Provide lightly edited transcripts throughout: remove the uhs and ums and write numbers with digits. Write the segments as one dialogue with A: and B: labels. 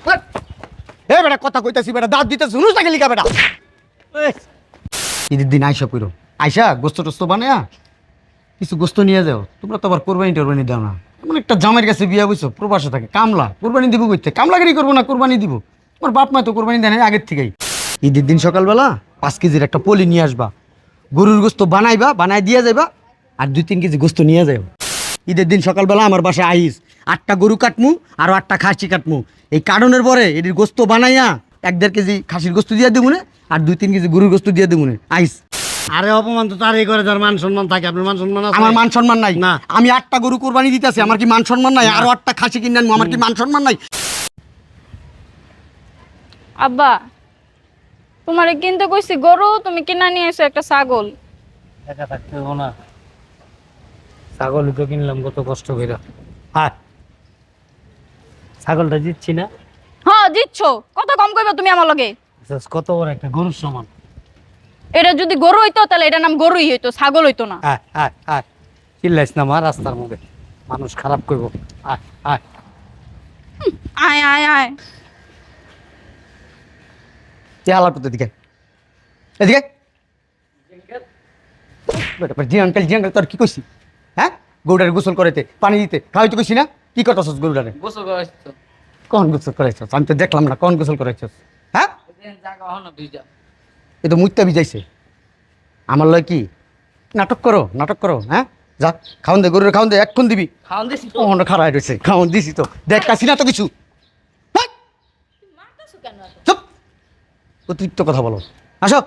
A: এ বেটা কথা কইতাছি বেটা দাঁত দিতে শুনুস না গেলি কা বেটা ঈদের দিন আইসা কইরো আইসা গোস্ত টোস্ত বানায়া কিছু গোস্ত নিয়ে যাও তোমরা তো আবার কোরবানি টোরবানি দাও না এমন একটা জামের কাছে বিয়া বইছো প্রবাসে থাকে কামলা কোরবানি দিব কইতে কামলাগিরি করবো না কোরবানি দিব তোমার বাপ মা তো কোরবানি দেয় না আগের থেকেই ঈদের দিন সকালবেলা 5 কেজির একটা পলি নিয়ে আসবা গরুর গোস্ত বানাইবা বানাই দিয়ে যাইবা আর 2-3 কেজি গোস্ত নিয়ে যাও ঈদের দিন সকালবেলা আমার বাসায় আইস 8টা গরু কাটমু আর 8টা খাসি কাটমু এই কাটনের পরে এটির গোস্ত বানাইয়া 1-1.5 কেজি খাসির গোস্ত দিয়ে দিবুনে আর 2-3 কেজি গরুর গোস্ত দিয়ে দিবুনে আইস।
B: আরে অপমান তো তারই করে, যার মান সম্মান থাকে। আপনার মান সম্মান আছে?
A: আমার মান সম্মান নাই
B: না।
A: আমি 8টা গরু কোরবানি দিতেছি, আমার কি মান সম্মান নাই? আরো 8টা খাসি কিনে আনবো, আমার কি মান সম্মান নাই?
C: আব্বা তোমারে কিনতে কইছি গরু, তুমি কিনা নিয়ে এসো একটা ছাগল।
B: একা থাকতে হবো না, ছাগলই তো কিনলাম কত কষ্ট করে। হ্যাঁ, ছাগলটা দিচ্ছি না?
C: হ্যাঁ দিচ্ছ, কত কম কইবা তুমি আমার লগে?
B: কত বড় একটা গরুর সমান।
C: এটা যদি গরু হইতো তাহলে এটা নাম গরুই হইতো, ছাগল হইতো না।
B: হ্যাঁ হ্যাঁ হ্যাঁ, চিল্লাইস না মা, রাস্তার মধ্যে মানুষ খারাপ করবো। হ্যাঁ হ্যাঁ,
C: আয় আয় আয়।
A: হালা করতে দিকে এদিকে জি আঙ্কেল জি আঙ্কেল, তোর কি কইছি? হ্যাঁ, গরুটারে গোসল করাইতে পানি দিতে খাওয়াইতে কইছি না? কি করতেছস গরুটারে?
D: গোসল করাইছো?
A: কোন গোসল করাইছস? আমি তো দেখলাম না কোন গোসল করাইছস। হ্যাঁ,
D: জায়গা হলো ভিজা।
A: এ তো মুইতা ভিজাইছে। আমার লয় কি নাটক করো, নাটক করো? হ্যাঁ, যা খাওন দে, গরুরে খাওন দে, এক্ষণ দিবি।
D: খাওয়ান দিছি তো।
A: ওখানে খারাপ রয়েছে, খাওন দিছি তো, দেখতাছি না তো কিছু। হ্যাঁ,
D: মারতাছো কেন এত?
A: চুপ, অতিরিক্ত কথা বলো। আসো।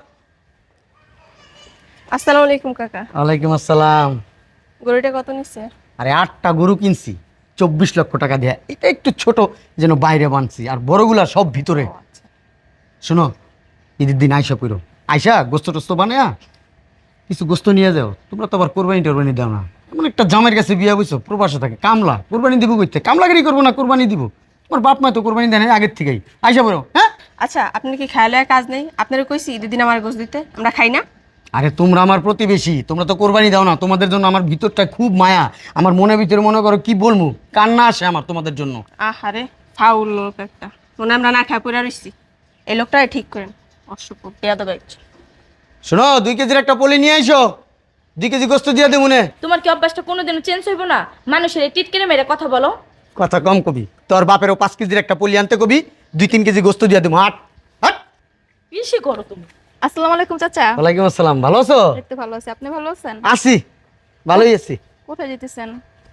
E: আসসালামু আলাইকুম কাকা।
A: ওয়ালাইকুম আসসালাম।
E: গরুটা কত নিচ্ছে?
A: আরে 8টা গরু কিনছি 24 লক্ষ টাকা দিয়ে। এটা একটু ছোট যেন বাইরে বানছি, আর বড়গুলা সব ভিতরে। শোনো, ঈদের দিন আইসা কইরো আইসা গোস্ত টোস্ত বানায়া কিছু গোস্ত নিয়ে যাও। তোমরা তো আবার কোরবানি টোরবানি দাও না। এমন একটা জামের কাছে বিয়া বইছো প্রবাসে থাকে কামলা, কোরবানি দিব কইতে কামলাগিরি করবো না কোরবানি দিব। তোমার বাপ মা তো কোরবানি দেয় না আগের থেকেই। আইসা বলো। হ্যাঁ,
E: আচ্ছা, আপনার কি খায় লয় কাজ নেই? আপনারা কইছি ঈদের দিন আমার গোশ দিতে, আমরা খাই না?
A: আরে তোমরা আমার প্রতিবেশী, তোমরা তো কোরবানি দাও না। তোমাদের জন্য আমার ভিতরটা খুব মায়া, আমার মনের ভিতরে মনে করো কি বলবো, কান্না আসে আমার তোমাদের জন্য।
E: আহারে ফাউল লোক একটা, মনে আমরা না খায় পড়ে রইছি। এই লোকটা ঠিক করেন, অসভ্য বেয়াদব একটা।
A: শোনো, 2 কেজির একটা পলি নিয়ে আইসো, 2 কেজি গোস্ত দিয়ে দেবো মনে।
F: তোমার কি অভ্যাসটা কোনোদিনও চেঞ্জ হইব না? মানুষের এই টিটকেনে মেরে কথা বলো।
A: কথা কম কবি, তোর বাপেরও 5 কেজির একটা পলি আনতে কবি, 2-3 কেজি গোস্ত দিয়ে দেবো। হাট হাট।
F: বেশি করো তুমি।
E: আসসালামু আলাইকুম চাচা।
A: ওয়ালাইকুম আসসালাম, ভালো আছো?
E: দেখতে ভালো আছি, আপনি ভালো আছেন?
A: আছি, ভালোই আছি।
E: কোথায় যেতেছেন?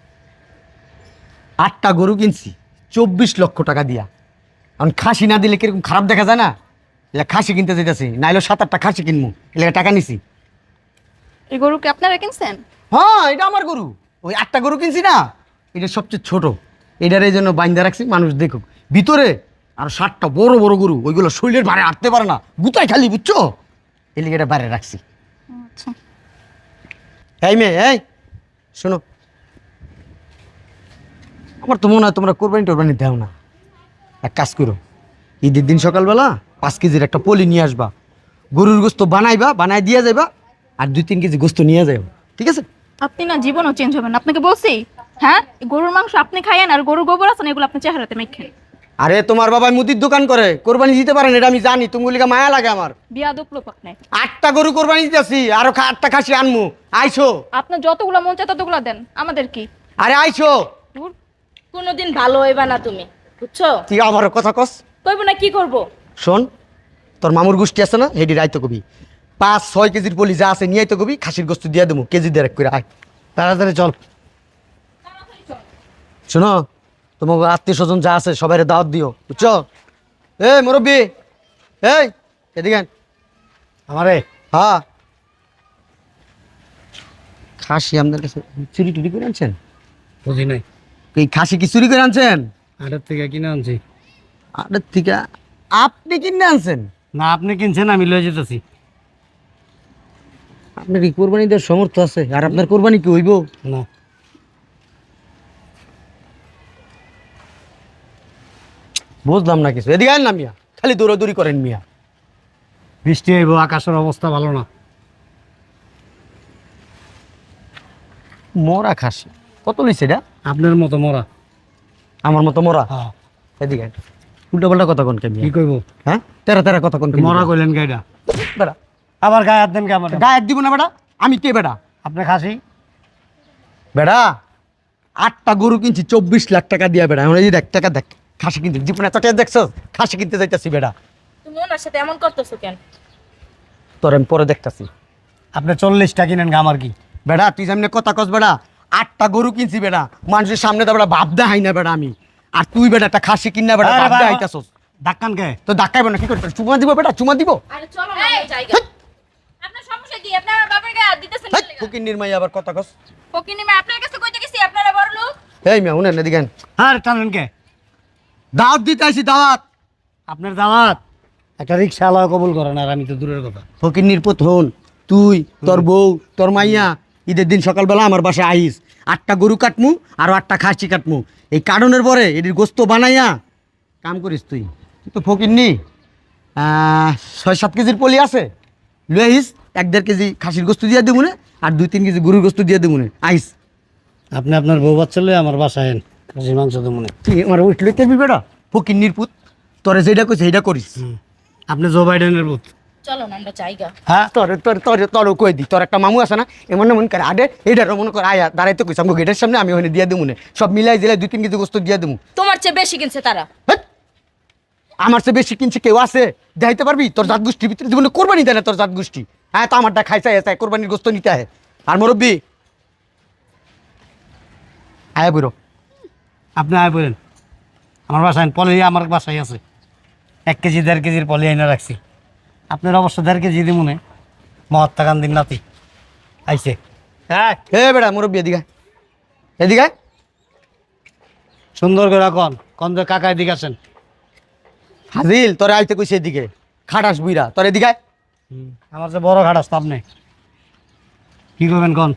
A: 8টা গরু কিনছি 24 লক্ষ টাকা দিয়া। এখন খাসি না দিলে কিরকম খারাপ দেখা যায় না? এলা খাসি কিনতে যেতেছি, নাইলে 7-8টা খাসি কিনবো, এলাকা টাকা নিছি।
E: এই গরু কি আপনারা কিনছেন?
A: হ্যাঁ, এটা আমার গরু। ওই 8টা গরু কিনছি না, এটা সবচেয়ে ছোট। এটার এই জন্য বাইন্দা রাখছি, মানুষ দেখুক। ভিতরে আর 7টা বড় বড় গরু, ওইগুলো শরীরের ভারে হাঁটতে পারে না, গুতায় খালি, বুঝছো? এই লিগে এটা বাইরে রাখছি।
E: আচ্ছা,
A: এই মেয়ে, এই শোনো, আমার তো মনে হয় তোমরা কোরবানি টোরবানি দেও না। এক কাজ করো, ঈদের দিন সকালবেলা 5 কেজির একটা পলি নিয়ে আসবা, গরুর গোস্ত বানাইবা বানাই দিয়ে যাইবা আর 2-3 কেজি গোস্ত নিয়ে যাইবা, ঠিক আছে?
C: আপনি না জীবনও চেঞ্জ হবেন না, আপনাকে বলছি। হ্যাঁ, এই গরুর মাংস আপনি খাইয়েন আর গরুর গোবর আছে না, এগুলো আপনি চেহারাতে মেখেন।
A: আরে তোমার বাবা মুদির দোকান করে, কোরবানি দিতে পারেন, এটা আমি জানি। তুমি বলিকা মায়া লাগে আমার।
C: বিয়াদব লোক আপনি।
A: 8টা গরু কোরবানি দিতেছি, আরো 8টা খাসি আনমু। আইসো।
C: আপনার যতগুলো মন চায় ততগুলো দেন, আমাদের কি?
A: আরে আইসো।
C: দূর।
F: কোনোদিন ভালো হইবা না তুমি, বুঝছো?
A: তুই আমার কথা কস।
F: কইব না কি করব?
A: শোন, তোর মামুর গোষ্ঠী আছে না, হেডি রাইতো কবি 5-6 কেজির পলি যা আছে নিয়ে তো কবি, খাসির গোস্ত দিয়ে দেবো কেজি দেড়েক করে। আয় তাড়াতাড়ি চল। শোনো, তোমার আত্মীয় স্বজন যা আছে সবাই দাওয়াত দিও, বুঝছো? এই মুরব্বী, এই এদিকে আন।
B: আমারে
A: হ্যাঁ, খাসি আপনার কাছে চুরি টুরি করে আনছেন?
B: বুঝি নাই।
A: এই খাসি কি চুরি করে আনছেন?
B: আড়ের থেকে কিনে আনছি।
A: আপনার থেকে আপনি কিনে আনছেন?
B: না, আপনি কিনছেন, আমি লয়ে যেতেছি।
A: আপনার কি কোরবানি দেওয়ার সমর্থ আছে? আর আপনার কোরবানি কি হইব?
B: না,
A: বুঝলাম না কিছু। এদিকে আন না মিয়া, খালি দৌড়াদৌড়ি করেন মিয়া।
B: বৃষ্টি হইব, আকাশের অবস্থা ভালো না।
A: মরা খাসি কত লইছে এটা?
B: আপনার মতো মরা।
A: আমার মতো মরা?
B: হ্যাঁ।
A: এদিকে আন। উল্টা পাল্টা কথা কোন কেন
B: কি কইবো
A: হ্যাঁ তেরা তেরা কথা কোন
B: মরা কইলেন গাইডা
A: বেটা
B: আবার গায়ে হাত দেন কে আমার
A: গায়ে দিব না বেটা আমি কে বেটা
B: আপনি খাসি
A: বেটা 8টা গরু কিনছি 24 লাখ টাকা দিয়া বেটা এখন এই দেখ টাকা দেখ খাসি কিনতে জীবনে এত টাকা দেখছো খাসি কিনতে যাইতাছি বেটা
F: তুমি ওনার সাথে এমন করতেছো কেন?
A: তোর আমি পরে দেখতাছি
B: আপনি 40টা কিনেন গা আমার কি
A: বেটা তুই সামনে কথা কস বেটা 8টা গরু কিনছি বেটা মানুষের সামনে তো বেটা ভাব দেখাই না বেটা আমি আর তুই বেটা একটা খাসি কিনা বেটা
B: আরে
A: ভাব
B: বাবা।
A: দেখাইতাছস
B: ধাক্কান কে
A: তো ধাক্কাইব না কি করতে চুমা দিব বেটা চুমা দিব
F: আরে চলো না আমার জায়গা। আপনার সমস্যা কি? আপনি আমার বাবার গায়ে হাত দিতেছেন কেন লাগা?
A: ফুকির নির্মাই আবার কথা কস
F: ফকিনি মা আপনার কাছে কইতে গেছি আপনারা বড় লোক।
A: এই মিয়া উনেন এদিকে আন।
B: আর টানেন কে
A: দাওয়াত দিতে আইছি দাওয়াত
B: আপনার দাওয়াত একটা রিক্সা আলা কবুল করেন আর আমি তো দূরের কথা
A: ফকির নির্পত হন তুই তোর বউ তোর মাইয়া ঈদের দিন সকালবেলা আমার বাসায় আইস 8টা গরু কাটমু আর 8টা খাসি কাটমু এই কাটনের পরে এটির গোস্ত বানাইয়া কাম করিস তুই তুই তো ফকির নি 6-7 কেজির পলি আছে লয়ে আইস 1-1.5 কেজি খাসির গোস্ত দিয়ে দেবো না আর 2-3 কেজি গরুর গোস্ত দিয়ে দেবো না আইস
B: আপনি আপনার বউ বাচ্চা লয়ে আমার বাসায় এন খাসির মাংস দেবো না
A: তুই আমার উঠ লইতে বেটা ফকির নির্পুত তোরে যেটা কইছে সেইটা করিস
B: আপনি জো বাইডেনের বুথ
F: চলো না আমরা জায়গা।
A: হ্যাঁ তোর কই দি তোর একটা মামু আছে না এমন এমন করে আরে এইটার মনে কর আয়া দাঁড়াইতে কইস আমাকে গেটের সামনে আমি ওখানে দিয়ে দেবো না সব মিলাই দিলে 2-3 কেজি গোস্ত দিয়ে দেবো
F: তোমার চেয়ে বেশি কিনছে তারা।
A: হেৎ! আমার চেয়ে বেশি কিনছে কেউ আছে দেখাইতে পারবি তোর জাত গোষ্ঠীর ভিতরে জীবনে কোরবানি দেয় না তোর জাত গোষ্ঠী হ্যাঁ তো আমারটা খাইছে চাই কোরবানির গোস্ত নিতে হয় আর মুরব্বি আয়া বুড়ো
B: আপনি আয় বলেন আমার বাসায় পলি আমার বাসায় আছে 1 কেজি 1.5 কেজির পলি আইনা রাখছি আপনার অবশ্য 1.5 কেজি দিব না মহাত্মা গান্ধীর নাতি আইছে হ্যাঁ
A: হে বেড়া মুরব্বি এদিকে আয়। এদিকে আয়।
B: সুন্দর করে কন যে কাকা এদিকে আসেন
A: ফাজিল তোরে আইতে কইছে এদিকে খাটাস বুইরা তোর এদিকে আয়।
B: আমার যে বড় ঘাট আসতো আপনি কি করবেন কন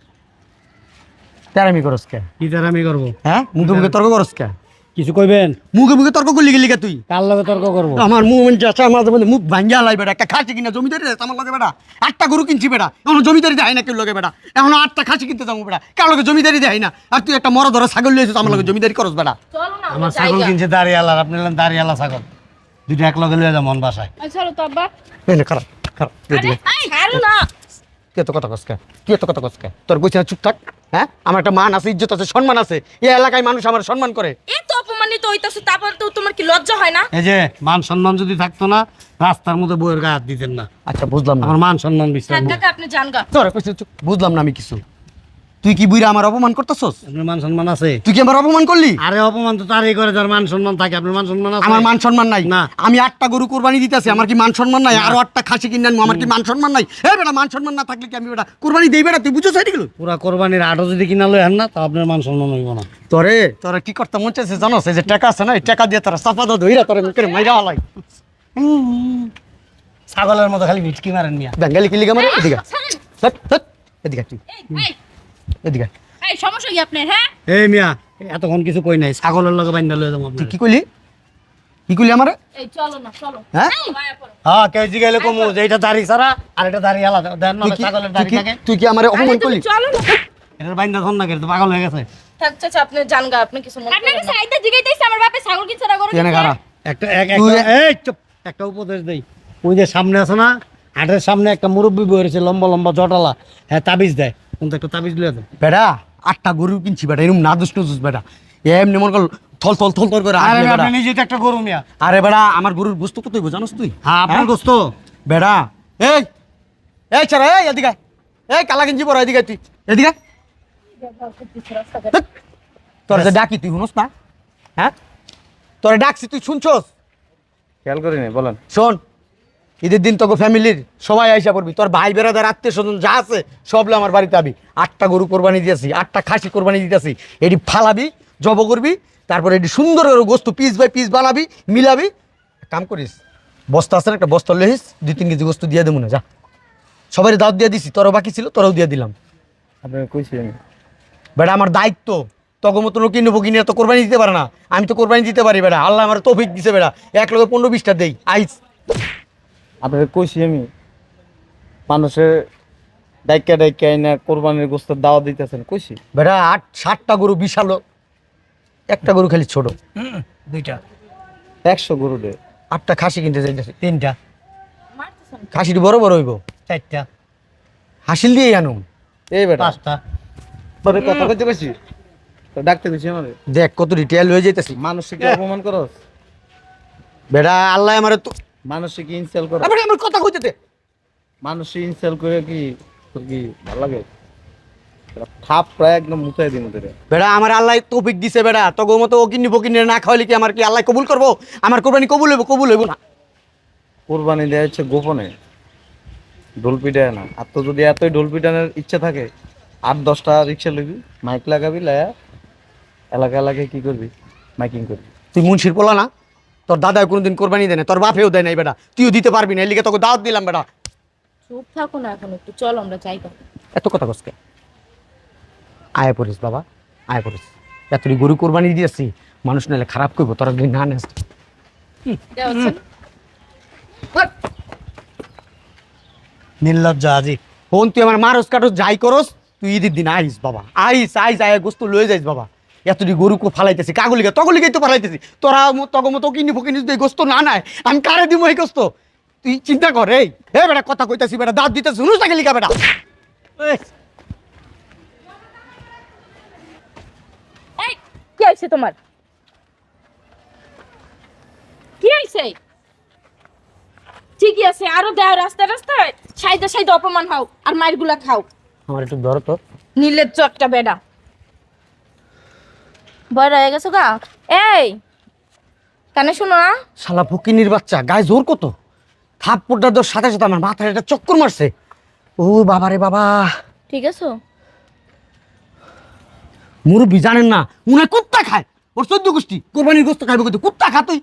A: তেরামি করস কে
B: কি তার আমি করবো
A: হ্যাঁ মুখে মুখে তর্ক করস কে
B: কিছু কইবেন
A: মুখে মুখে তর্ক করলি গেলি কে তুই
B: কার লগে তর্ক করবো
A: আমার মুখ মন চাচা মাঝে মধ্যে মুখ ভাঙ্গা লাই বেটা একটা খাসি কিনা জমিদারি আছে আমার লগে বেটা 8টা গরু কিনছি বেটা এখন জমিদারি দেয় না কেউ লগে বেটা এখন 8টা খাসি কিনতে যাবো বেটা কার লগে জমিদারি দেয় না আর তুই একটা মরা ধরা ছাগল লিয়েছিস আমার লগে জমিদারি করস বেটা
F: চলো না
B: আমার
F: আমরা
B: ছাগল
F: জায়গা।
B: কিনছে দাঁড়িয়ালার আপনি হলেন দাঁড়িয়ালা ছাগল দুইটা এক লগে লয়ে যা মন বাসায়
F: চলো তো আব্বা।
A: না খারাপ খারাপ
F: আরে ছাড়ো না।
A: তুই এত কথা কসকা তুই এত কথা কসকা তোর কইছে না চুপ থাক হ্যাঁ আমার একটা মান আছে ইজ্জত আছে সম্মান আছে এই এলাকায় মানুষ আমার সম্মান করে
F: এত অপমানিত হইতাছো তারপর তো তোমার কি লজ্জা হয় না?
B: এই যে মান সম্মান যদি থাকতো না রাস্তার মধ্যে বইয়ের গায়ে হাত দিতেন না
A: আচ্ছা বুঝলাম না
B: আমার মান সম্মান বিশ্বাস
F: থাক কাকা আপনি যান গা।
A: তোর কইছে চুপ বুঝলাম না আমি কিছু তুই কি বুইরা আমার অপমান করতেছস
B: আপনার মান সম্মান আছে
A: তুই কি আমার অপমান করলি
B: আরে অপমান তো তারই করে যার মান সম্মান থাকে আপনার মান সম্মান আছে
A: আমার মান সম্মান নাই
B: না।
A: আমি 8টা গরু কোরবানি দিতেছি আমার কি মান সম্মান নাই আরো 8টা খাসি কিনে আনবো আমার কি মান সম্মান নাই এই বেটা মান সম্মান না থাকলে কি আমি বেটা কোরবানি দেই বেটা তুই বুঝছ এগুলো
B: পুরা কোরবানির আটও যদি কিনা লই আন না তা আপনার মান সম্মান হইব না
A: তোরে তোরা কি করতে মন চাইছে জানোস এই যে টাকা আছে না এই টাকা দিয়ে তোরা চাপা দাও ধইরা তোরে মুখে মাইরা হালাই
B: ছাগলের মতো খালি ভিটকি মারেন মিয়া
A: বেঙ্গালি কি লিগা মারে এদিকে হট হট এদিকে তুই
F: এই
A: এদিকে
F: এই সমস্যা কি আপনার? হ্যাঁ
B: এই মিয়া এতক্ষণ কিছু কই নাই ছাগলের লগে বাইন্দা লয়ে যাবো
A: তুই
B: আপনার
A: কি কইলি কি কইলি আমারে
F: এই চলো না চলো।
A: হ্যাঁ
F: মায়া পড়ো।
B: হ্যাঁ কেউ জিগাইলে কমু যে এটা দাড়ি ছাড়া আর এটা দাড়ি আলাদা দেন না
A: তুই কি-
B: ছাগলের
A: তুই
B: দাড়ি
A: কি-
B: থাকে
A: তুই কি আমারে
F: আরে
A: অপমান
F: তুমি
A: করলি
F: চলো না।
B: এটার বাইন্দা ধন না তো পাগল হয়ে গেছে
F: থাক চাচা আপনি যান গা, আপনি কিছু মনে আপনাকে সাইডে জিগাইতেছে আমার বাপে ছাগল কিনছে না গরু
A: কেন
F: কিনছে?
A: খারা
B: একটা
A: তুই-
B: এই চুপ একটা উপদেশ দেই ওই যে সামনে আছে না হাটের সামনে একটা মুরব্বী বই রয়েছে লম্বা লম্বা জটালা হ্যাঁ তাবিজ দেয় কিন্তু একটা তাবিজ লিয়ে দেয়
A: বেটা 8টা গরু কিনছি বেটা এরকম না দুষ্ট বেটা এমনি মনে কর থল থল থল থল করে
B: আরে
A: আসবে বেটা।
B: আপনি নিজে তো একটা গরু মিয়া
A: আরে বেটা আমার গরুর গোস্ত কত হইব জানোস তুই
B: হ্যাঁ আপনার গোস্ত
A: বেটা এই এই ছাড়া এই এদিকে আয়। এই কালা গেঞ্জি পরা এদিকে আয় তুই এদিকে আয়। ধ্যাৎ, তোর যে ডাকি তুই শুনোস না হ্যাঁ তোর ডাকছি তুই শুনছস
G: খেয়াল করিনি বলেন
A: শোন ঈদের দিন তোকে ফ্যামিলির সবাই আইসা পড়বি তোর ভাই বেড়াদার আত্মীয় স্বজন যা আছে সবলে আমার বাড়িতে আবি 8টা গরু কোরবানি দিয়েছি 8টা খাসি কোরবানি দিতেছি এটি ফালাবি জব করবি তারপরে এটি সুন্দর করে গোস্ত পিস বাই পিস বানাবি মিলাবি কাম করিস বস্তা আছে না একটা বস্তা লেহিস 2-3 কেজি গোস্ত দিয়ে দেবো না যা সবাই দাওয়াত দিয়ে দিছি তোরও বাকি ছিল তোরাও দিয়ে দিলাম
G: আপনাকে কইছি আমি
A: বেটা আমার দায়িত্ব তখন মতো লোক কিনবো কিনে তো কোরবানি দিতে পারে না আমি তো কোরবানি দিতে পারি বেটা আল্লাহ আমার তৌফিক দিছে বেটা 1 লক্ষ 15-20টা দেই আইস
G: আপনাকে কইছি আমি মানুষের ডাইকা ডাইকা না কোরবানির গোস্তের দাওয়া দিতেছেন কইছি
A: বেটা 7টা গরু বিশাল একটা গরু খালি ছোট
B: দুইটা
G: 100 গরু দে।
A: 8টা খাসি কিনতে যাইতেছি।
B: 3টা
F: মারতেছেন
A: খাসিটি বড় বড় হইব,
B: 4টা
A: হাসিল দিয়ে আনুম।
G: এই বেটা
B: 5টা
G: তোরে কথা কইতে কইছি, তো ডাকতে কইছি আমারে।
A: দেখ কত ডিটেল হয়ে যাইতেছি।
G: মানুষকে কি অপমান করস?
A: বেটা আল্লাহ আমার তো
G: মানুষকে কি ইনসাল করস?
A: আবার আমার কথা কইতে দে।
G: মানুষকে ইনসাল করে কি তোর কি ভালো লাগে? থাপ প্রায় একদম মুতাই দিন ওদের।
A: বেটা আমার আল্লাহ তৌফিক দিছে বেটা, তোর মতো ও কিন্নি বকিনি না খাওয়াইলে কি আমার কি আল্লাহ কবুল করবো? আমার কোরবানি কবুল হইব? কবুল হইব না।
G: কোরবানি দেওয়া হচ্ছে গোপনে, ঢোল পিটায় না। আর তো যদি এতই ঢোল পিটানোর ইচ্ছা থাকে 8-10টা রিক্সা লইবি, মাইক লাগাবি, লায়া এলাকা এলাকায় কি করবি, মাইকিং করবি।
A: তুই মুন্সির পোলা না? তোর দাদা কোনোদিন কোরবানি দেয় না, তোর বাপেও দেয় নাই বেটা, তুইও দিতে পারবি না, এর লিগে তোকে দাওয়াত দিলাম বেটা।
F: চুপ থাকো না এখন একটু, চলো আমরা যাই গা।
A: এত কথা কসকে আয় পড়িস বাবা, আয় পড়িস। এতটি গরু কোরবানি দিয়েছি, মানুষ নাহলে খারাপ করবো, তোরা যদি না নেস।
F: দেওয়া হচ্ছে না?
B: নির্লজ্জ আজি।
A: ফোন তুই আমার মারস কাটস যাই করস, তুই ঈদের দিন আইস বাবা, আইস আইস আয় গোস্ত লয়ে যাইস বাবা। এতটি গরু ফালাইতেছি কাগুলিকে, তগলিকেই তো ফালাইতেছি। তোরা তগমতো কিনি ফকিনি যদি এই গোস্ত না নেয়, আমি কারে দিব এই গোস্ত? তুই চিন্তা কর। এই বেটা কথা কইতাছি বেটা, দাঁত দিতেছি, শুনুস না গেলিকা বেটা।
F: এই কি হইছে তোমার? কি হইছে? ঠিকই আছে, আরো দেও রাস্তা রাস্তায় সাইদা সাইদা অপমান হও আর মাইরগুলা খাও।
A: আমার একটু ধরো তো।
F: নির্লজ্জ একটা বেডা। বড় হয়ে গেছো গা? এই কানে শোনো না?
A: শালা ফকিনির বাচ্চা, গায়ে জোর কত! থাপ্পড়টা তোর সাথে সাথে আমার মাথায় একটা চক্কর মারছে। ও বাবা রে বাবা!
F: ঠিক আছে?
A: মুরব্বি জানেন না, উনি কুত্তা খায়। ওর 14 গোষ্ঠী কোরবানির গোস্ত খাইবে, কিন্তু কুত্তা খা তুই।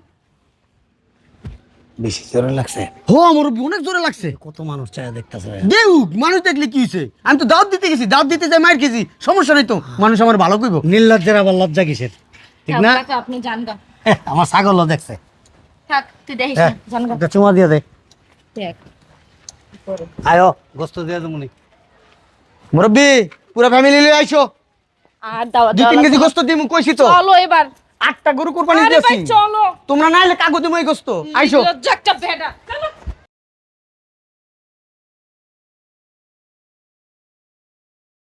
B: বেশি জোরে লাগছে।
A: হো মুরব্বি অনেক জোরে লাগছে।
B: কত মানুষ চায় দেখতেছে।
A: দেউ মানুষ দেখলে কি হয়েছে? আমি তো দাওয়াত দিতে গেছি, দাওয়াত দিতে যাই মায়ের খেয়েছি, সমস্যা নেই তো, মানুষ আমার ভালো কইব।
B: নির্লজ্জের আবার লজ্জা কিসের? ঠিক না?
F: কাকা, আপনি জান গা।
B: আমার ছাগলও দেখছে।
F: থাক তুই দেখিস না, জান গা।
B: একটা চুমা দিয়ে দে।
F: দেখ
B: আয়ো গোস্ত দিয়ে দেবনি।
A: মুরব্বি পুরো ফ্যামিলি লিয়ে আইছো,
F: আর দাও
A: 2-3 কেজি গোস্ত দিমু কইছি তো।
F: চলো এবার।
A: 8টা গরু কোরবানি
F: আরে
A: দিয়েছি,
F: ভাই চলো।
A: তোমরা না এলে কাগজ দিমু এই গোস্ত। আইছো।
F: লজ্জা একটা বেডা।